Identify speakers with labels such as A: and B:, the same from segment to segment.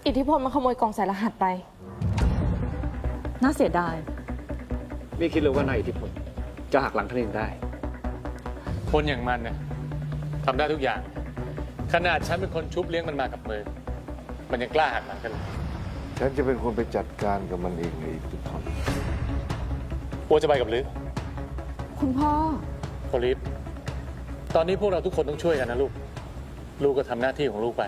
A: อิทธิพลมันขโมยกล่องใส่รหัสไป
B: น่าเสียดาย
C: ไม่คิดเลยว่านายอิทธิพลจะหักหลังท่านเองได้
D: คนอย่างมันเนี่ยทำได้ทุกอย่าง ขนาดฉันเป็นคนชุบเลี้ยงมันมากับมือ มันยังกล้าหักหลังกันเลย
E: ฉันจะเป็นคนไปจัดการกับมันเองในอิทธิพล
D: โอจะไปกับลือ
A: คุณพ่อ
D: โพลิฟตอนนี้พวกเราทุกคนต้องช่วยกันนะลูก ลูกก็ทำหน้าที่ของลูกไป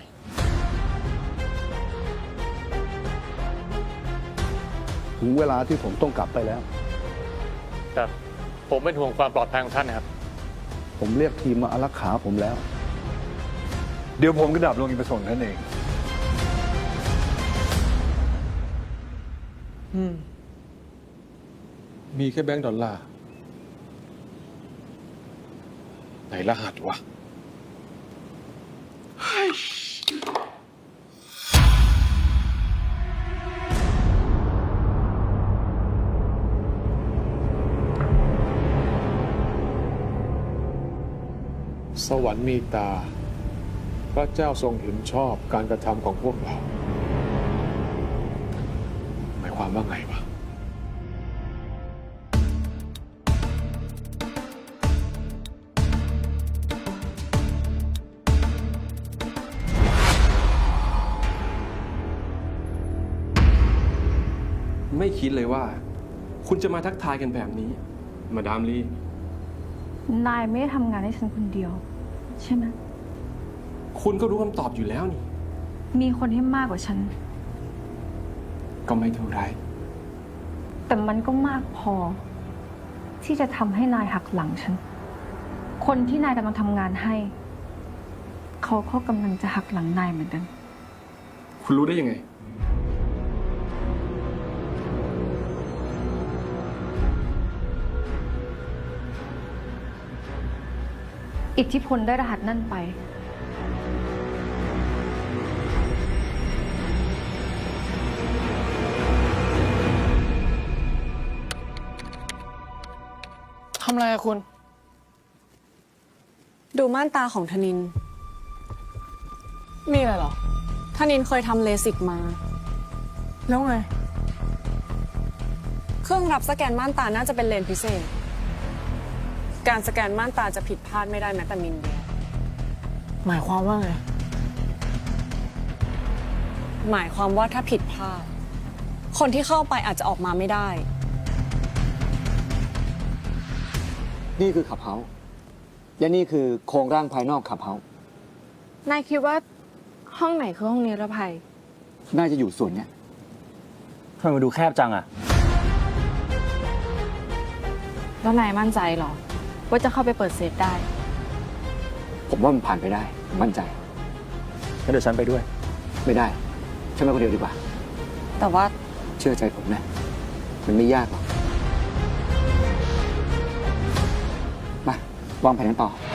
F: ถึงเวลาที่ผมต้องกลับไปแล้ว
D: ครับ ผมเป็นห่วงความปลอดภัยของท่านนะครับ
F: ผมเรียกทีมมาอารักขาผมแล้ว
E: เดี๋ยวผมก็ดับลงอีกไปส่งท่านเอง
G: มีแค่แบงก์ดอลลาร์ไหนรหัสวะสวรรค์มีตา พระเจ้าทรงเห็นชอบการกระทำของพวกเรา หมายความว่าไงวะ
H: ไม่คิดเลยว่า คุณจะมาทักทายกันแบบนี้ มาดามลี
B: นายไม่ได้ทำงานให้ฉันคนเดียว ใช่ไหม
H: คุณก็รู้คำตอบอยู่แล้วนี่
B: มีคนที่มากกว่าฉัน
H: ก็ไม่เท่าไร
B: แต่มันก็มากพอ ที่จะทำให้นายหักหลังฉัน คนที่นายกำลังทำงานให้ เขาก็กำลังจะหักหลังนายเหมือนกัน
H: คุณรู้ได้ยังไง
B: อิทธิพลได้รหัสนั่นไป
A: ทำอะไรอะคุณ
I: ดูม่านตาของธนิน
A: มีอะไรเหรอ
I: ธนินเคยทำเลสิกมา
A: แล้วไง
I: เครื่องรับสแกนม่านตาน่าจะเป็นเลนส์พิเศษ การสแกนม่านตาจะผิดพลาดไม่ได้แม้แต่มิลเดียว
A: หมายความว่าไง
I: หมายความว่าถ้าผิดพลาด คนที่เข้าไปอาจจะออกมาไม่ได้
C: นี่คือขับเฮาส์และนี่คือโครงร่างภายนอกขับเฮาส์
A: นายคิดว่าห้องไหนคือห้องนิรภัย
C: น่าจะอยู่ส่วนเนี้ย
J: ทำไมมาดูแคบจังอะ
A: แล้วนายมั่นใจเหรอ ว่าจะเข้าไปเปิดเซฟได้
C: ผมว่ามันผ่านไปได้ผมมั่นใจ
J: งั้นเดี๋ยวฉันไปด้วย
C: ไม่ได้ฉันไปคนเดียวดีกว่า
I: แต่ว่า
C: เชื่อใจผมนะ มันไม่ยากหรอก มาวางแผนกันต่อ